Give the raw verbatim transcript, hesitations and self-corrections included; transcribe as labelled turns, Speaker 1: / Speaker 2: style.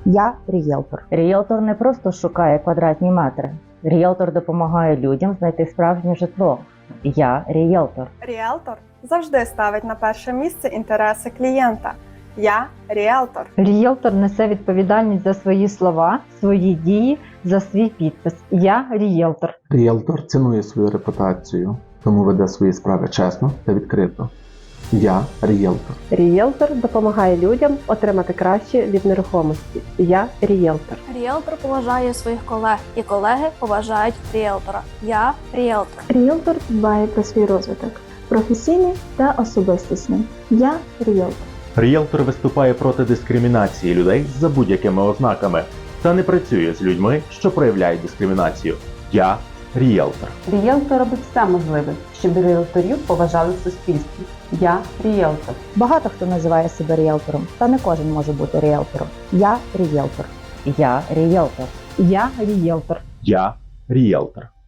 Speaker 1: Я рієлтор. Рієлтор не просто шукає квадратні метри. Рієлтор допомагає людям знайти справжнє житло. Я рієлтор.
Speaker 2: Ріелтор завжди ставить на перше місце інтереси клієнта. Я ріелтор.
Speaker 1: Рієлтор несе відповідальність за свої слова, свої дії, за свій підпис. Я рієлтор.
Speaker 3: Ріелтор цінує свою репутацію, тому веде свої справи чесно та відкрито. Я ріелтор.
Speaker 4: Ріелтор допомагає людям отримати краще від нерухомості. Я ріелтор.
Speaker 5: Ріелтор поважає своїх колег, і колеги поважають ріелтора. Я ріелтор.
Speaker 6: Ріелтор дбає про свій розвиток, професійний та особистісний. Я ріелтор.
Speaker 7: Ріелтор виступає проти дискримінації людей за будь-якими ознаками та не працює з людьми, що проявляють дискримінацію. Я ріелтор.
Speaker 4: Ріелтор робить все можливе, щоб ріелторів поважали в суспільстві. Я ріелтор.
Speaker 1: Багато хто називає себе ріелтором, та не кожен може бути ріелтором. Я рієлтор. Я рієлтор. Я рієлтор.
Speaker 7: Я ріелтор.